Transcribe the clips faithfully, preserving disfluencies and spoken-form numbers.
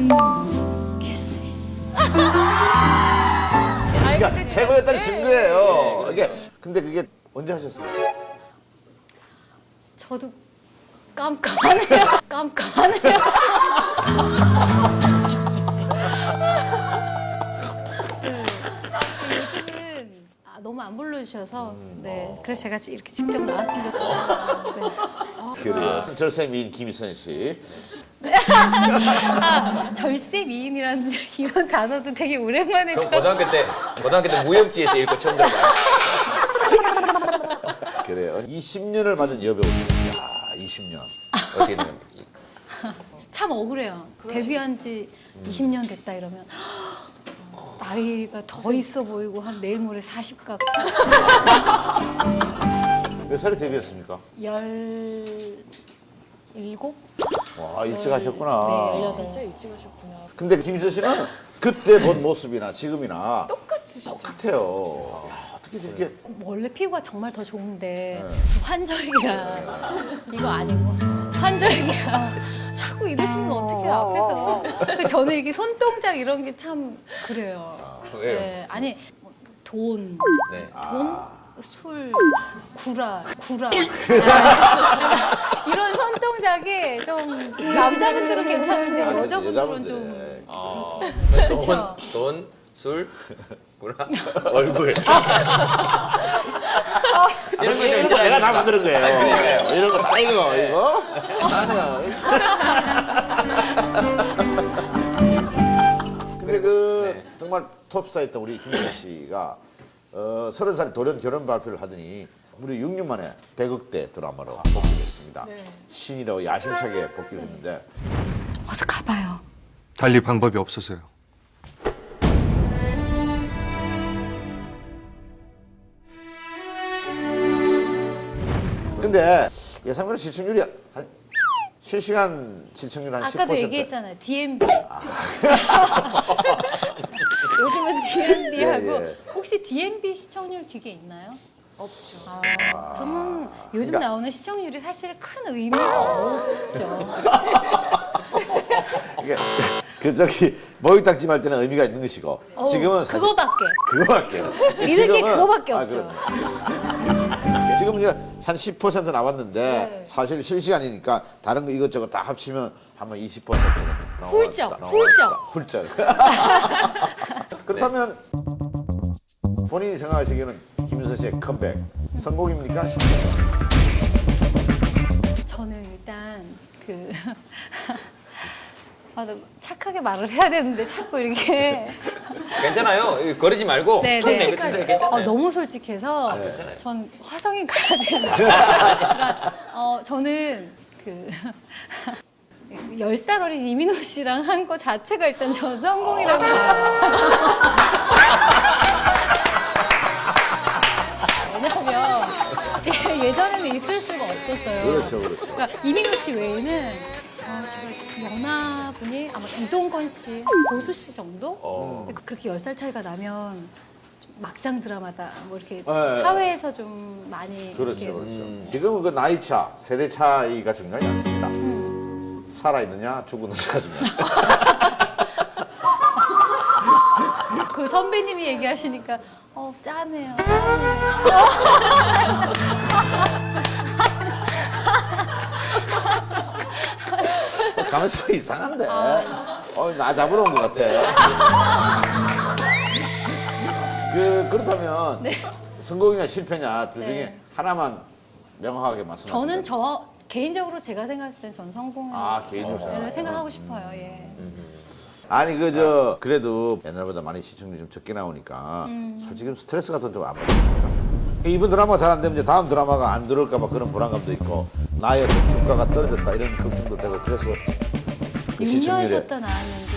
모르겠습니다. 그러니까 최고였다는 증거예요. 이게 근데 그게 언제 하셨어요? 저도 깜깜하네요. 깜깜하네요. 그, 요즘은 아, 너무 안 불러주셔서 네 그래서 제가 이렇게 직접 나왔으면 좋겠어요. 네. 그래요. 절세 미인 김희선 씨. 아, 절세 미인이라는 이런 단어도 되게 오랜만에 전 고등학교 때 고등학교 때 무협지에서 읽고 처음 들어봐요. 그래요. 이십 년을 맞은 여배우입니다. 야, 이십 년. 어떻게 되면 참 억울해요. 데뷔한 지 이십 년 됐다 이러면 나이가 더 있어 보이고 한 내일 모레 사십 같고 몇 살에 데뷔했습니까? 열일곱? 와, 일찍 하셨구나. 네, 진짜 일찍 하셨구나. 근데 김희선 씨는 그때 본 모습이나 지금이나 똑같으시죠? 똑같아요. 야, 어떻게 저렇게 원래 피부가 정말 더 좋은데 네. 환절기라 이거 아니고 환절기라 자꾸 이러시면 어떡해요 앞에서. 그 저는 이게 손동작 이런 게 참 그래요. 왜요? 네, 아니 돈, 네. 돈, 술, 구라, 구라 아, 이런 손동작이 좀 남자분들은 괜찮은데 아, 여자분들은 여자분들. 좀 아, 그쵸? 돈, 돈, 술, 구라. 얼굴. 이런 거 이런 좀 거 내가 다 싫어하니까. 만드는 거예요. 그러니까요. 이런 거 다 이거 이거. 아니야. 근데 그 네. 정말 톱스타였던 우리 김희선 씨가 어, 서른 살에 돌연 결혼 발표를 하더니 무려 육 년 만에 백억대 드라마로 복귀를 했습니다. 네. 신이라고 야심차게 복귀를 했는데 어서 가봐요. 달리 방법이 없어서요. 근데 예상외로 시청률이 한 실시간 시청률 한 십 퍼센트. 아까도 얘기했잖아요. 디엠비. 요즘은 디엠비하고 예, 예. 혹시 디엠비 시청률 기계 있나요? 없죠. 아, 그러면 요즘 그러니까- 나오는 시청률이 사실 큰 의미가 없죠. 이게 그 저기 목욕탕 할 때는 의미가 있는 것이고 어우, 지금은 사실 그거밖에. 그거밖에 믿을 게 그거밖에 없죠. 그럼. 지금 이제 한 십 퍼센트 나왔는데 네. 사실 실시간이니까 다른 거 이것저것 다 합치면 한번 이십 퍼센트 훌쩍, 훌쩍. 훌쩍. 그렇다면 본인이 생각하시기에는 김윤선 씨의 컴백 성공입니까? 실패입니까? 저는 일단 그 아, 나 착하게 말을 해야 되는데 자꾸 이렇게 괜찮아요. 이거 거르지 말고 네, 손 네. 내뱉으세요. 괜찮아요. 어, 너무 솔직해서 아, 괜찮아요. 전 화성인 가야 되는데 그러니까 어, 저는 그 열 살 어린 이민호 씨랑 한 거 자체가 일단 전 성공이라고 봐요. 왜냐하면 이게 예전에는 있을 수가 없었어요. 그렇죠, 그렇죠. 그러니까 이민호 씨 외에는 어, 제가 연하분이 아마 이동건 씨, 고수 씨 정도? 어. 근데 그렇게 열 살 차이가 나면 좀 막장 드라마다 뭐 이렇게 네. 사회에서 좀 많이 그렇죠, 이렇게 그렇죠. 지금은 그 나이 차, 세대 차이가 중요하지 않습니다. 살아있느냐, 죽었느냐가 중요해요. 그 선배님이 얘기하시니까 어 짠해요. 짠해요. 가면서 이상한데. 어, 나 잡으러 온 것 같아. 그, 그렇다면 성공이냐 실패냐 둘 중에 네. 하나만 명확하게 말씀하세요. 저는 저 개인적으로 제가 생각했을 땐 전 성공을 아, 개인적으로 생각하고 싶어요. 예. 아니 그 저 그래도 옛날보다 많이 시청률이 좀 적게 나오니까 솔직히 스트레스 같은 거 좀 안 받으십니까? 이번 드라마가 잘 안 되면 이제 다음 드라마가 안 들어올까 봐 그런 불안감도 있고 나의 어떤 주가가 떨어졌다 이런 걱정도 되고 그래서 그 육 년 시청률에 쉬었다 나왔는데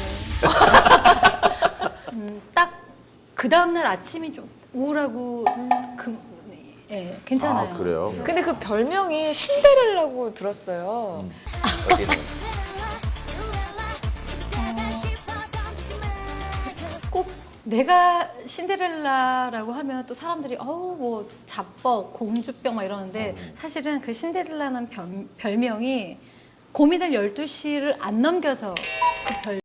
음, 딱 그 다음날 아침이 좀 우울하고 그, 예, 괜찮아요. 아 그래요? 근데 그 별명이 신데렐라고 들었어요. 어떻게 되면 꼭 내가 신데렐라라고 하면 또 사람들이 어우 뭐 자뻑 공주병 막 이러는데 사실은 그 신데렐라는 별, 별명이 고민을 열두 시를 안 넘겨서 그 별